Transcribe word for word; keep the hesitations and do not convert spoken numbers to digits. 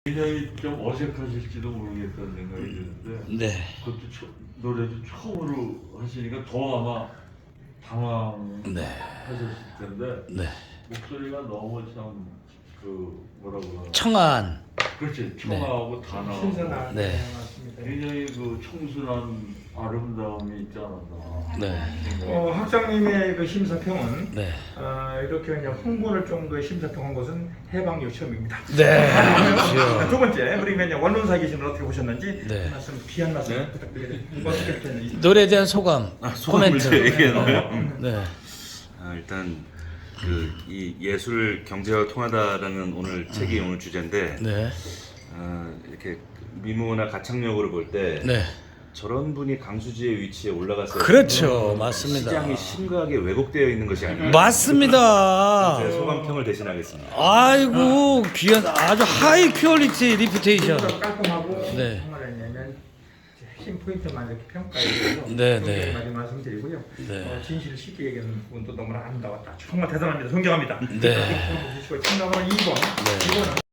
굉장히 좀 어색하실지도 모르겠다는 생각이 드는데 네. 그것도 처, 노래도 처음으로 하시니까 더 아마 당황하셨을 네. 텐데 네. 목소리가 너무 참 그 뭐라고 하나 청아한. 그렇지 청아하고 단아하고 신선한 네. 네. 맞습니다. 굉장히 그 청순한 아름다움이 있지 않았나. 네. 어, 학장님의 그 심사평은 네. 어, 이렇게 그냥 홍보를 좀 그 심사평한 것은 해방 요청입니다. 네. 자, 그렇죠. 두 번째 우리 그냥 원론사 계신 어떻게 보셨는지 네. 한 말씀 귀한 말씀 네? 부탁드립니다. 어떻게 보셨는지. 노래에 대한 소감. 아, 소감을 코멘트. 제 얘기하나요? 네. 아, 일단 그 이 예술 경제와 통하다라는 오늘 책이 오늘 주제인데 네. 아, 이렇게 미모나 가창력으로 볼 때 네. 저런 분이 강수지의 위치에 올라갔어요. 그렇죠. 맞습니다. 시장이 심각하게 왜곡되어 있는 것이 아닌가. 맞습니다. 제 소감평을 대신하겠습니다. 아이고 귀한 아주 하이 퀄리티 리퓨테이션. 깔끔하고 네. 정말 왜냐면 핵심 포인트만 이렇게 평가해 주셔서 네, 네. 많이 말씀드리고요. 네. 어, 진실을 쉽게 얘기하는 부분도 너무나 아름다웠다. 정말 대단합니다. 존경합니다. 네. 참가번호 이 번. 네. 이 번은